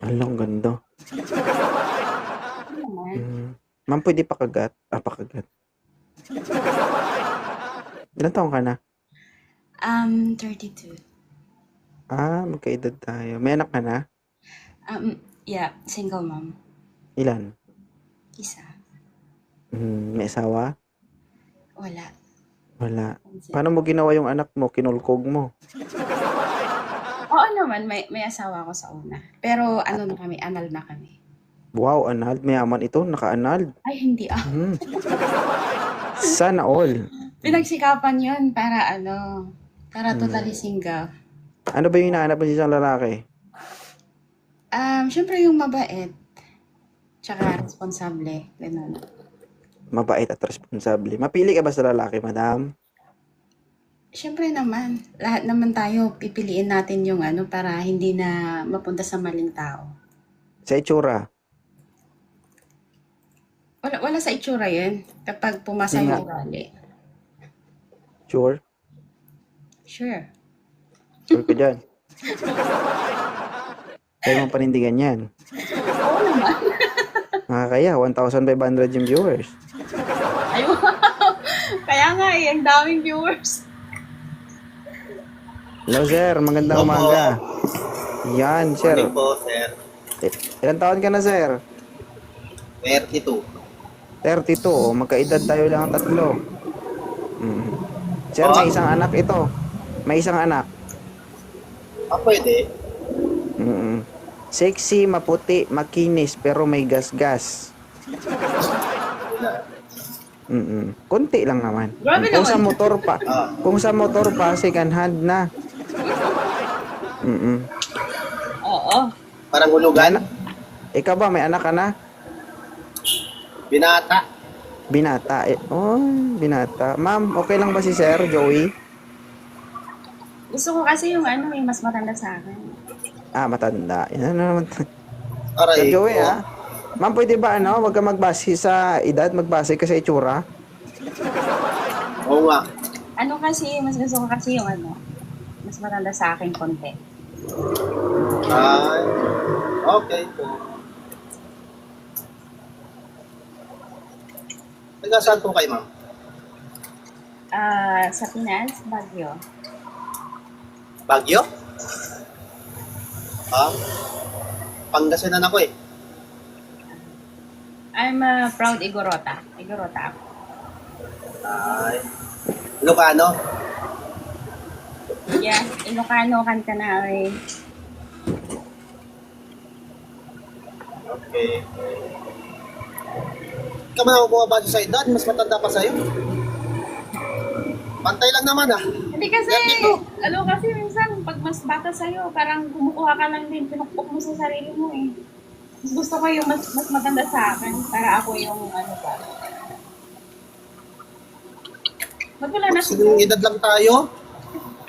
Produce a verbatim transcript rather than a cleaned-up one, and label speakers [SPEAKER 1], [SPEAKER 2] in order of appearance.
[SPEAKER 1] Hala, ang ganda.
[SPEAKER 2] Ano naman?
[SPEAKER 1] Hmm. Ma'am, pwede pakagat? Ah, pakagat. Ilang taon ka na?
[SPEAKER 2] Um, thirty-two.
[SPEAKER 1] Ah, magkaedad tayo. May anak ka na?
[SPEAKER 2] Um, yeah, single mom.
[SPEAKER 1] Ilan?
[SPEAKER 2] Isa.
[SPEAKER 1] Hmm, may asawa?
[SPEAKER 2] Wala.
[SPEAKER 1] Wala.
[SPEAKER 2] Pansin.
[SPEAKER 1] Paano mo ginawa yung anak mo? Kinulkog mo?
[SPEAKER 2] Oo naman, may, may asawa ako sa una. Pero ano na kami, anal na kami.
[SPEAKER 1] Wow, annulled. Mayaman ito. Naka-annulled.
[SPEAKER 2] Ay, hindi ah.
[SPEAKER 1] Hmm. Sana all.
[SPEAKER 2] Pinagsikapan yun para ano, para
[SPEAKER 1] Hmm.
[SPEAKER 2] totally single.
[SPEAKER 1] Ano ba yung hinahanap mo sa isang lalaki?
[SPEAKER 2] Um, syempre yung mabait. Tsaka responsable. Ganun.
[SPEAKER 1] Mabait at responsable. Mapili ka ba sa lalaki, madam?
[SPEAKER 2] Syempre naman, lahat naman tayo pipiliin natin yung ano para hindi na mapunta sa maling tao.
[SPEAKER 1] Sa itsura?
[SPEAKER 2] Wala, wala sa itsura yun kapag pumasa
[SPEAKER 1] Yun nga.
[SPEAKER 2] yung ugali.
[SPEAKER 1] Sure?
[SPEAKER 2] Sure.
[SPEAKER 1] Sure ka dyan? Kaya mong panindigan yan.
[SPEAKER 2] Oo naman.
[SPEAKER 1] Nakakaya, one thousand five hundred yung viewers.
[SPEAKER 2] Ay, wow. Kaya nga eh, ang daming viewers.
[SPEAKER 1] Hello, sir. Magandang
[SPEAKER 3] Opo.
[SPEAKER 1] umaga. Yan, sir.
[SPEAKER 3] Morning po, sir.
[SPEAKER 1] Eh, ilan taon ka na, sir?
[SPEAKER 3] thirty-two.
[SPEAKER 1] thirty-two. O, magkaedad tayo lang ang tatlo. Mm. Sir, may isang anak ito. May isang anak.
[SPEAKER 3] Ah, pwede.
[SPEAKER 1] Mm. Sexy, maputi, makinis, pero may gas-gas. Mm. Konti lang naman.
[SPEAKER 2] Grabe
[SPEAKER 1] Kung sa
[SPEAKER 2] naman.
[SPEAKER 1] motor pa,
[SPEAKER 3] Ah.
[SPEAKER 1] kung sa motor pa, second hand na. Mm.
[SPEAKER 2] Oo.
[SPEAKER 3] Parang hulugan.
[SPEAKER 1] Ikaw ba, may anak ka na?
[SPEAKER 3] Binata.
[SPEAKER 1] Binata. Eh, oh, binata. Ma'am, okay lang ba si Sir Joey?
[SPEAKER 2] Gusto ko kasi yung ano, yung mas matanda sa akin.
[SPEAKER 1] Ah, matanda. Yan na naman. Sir
[SPEAKER 3] Aray
[SPEAKER 1] Joey,
[SPEAKER 3] ko.
[SPEAKER 1] ah. Ma'am, pwede ba ano, wag ka magbase sa edad, magbase ka sa itsura?
[SPEAKER 3] Oo nga.
[SPEAKER 2] Ano kasi, mas gusto ko kasi yung ano, mas matanda sa akin konti.
[SPEAKER 3] Ay, okay po. Taga saan po kayo, ma'am?
[SPEAKER 2] Ah, sa Pinas, Baguio.
[SPEAKER 3] Baguio? Ah, Pangasinan ako eh.
[SPEAKER 2] I'm a proud Igorota. Igorota ako.
[SPEAKER 3] Ay, Ilocano?
[SPEAKER 2] Yeah, Ilocano kanta na eh.
[SPEAKER 3] Okay. Ikaw man ako bumabasa sa edad, mas matanda pa sa'yo. Pantay lang naman ah.
[SPEAKER 2] Hindi kasi,
[SPEAKER 3] thirty-two.
[SPEAKER 2] ano kasi minsan, pag mas bata sa'yo, parang kumukuha ka lang din, pinukpok mo sa sarili mo eh. Mas gusto ko yung mas, mas matanda sa akin, para ako yung ano ba. Ba't wala na
[SPEAKER 3] Sinong edad lang tayo?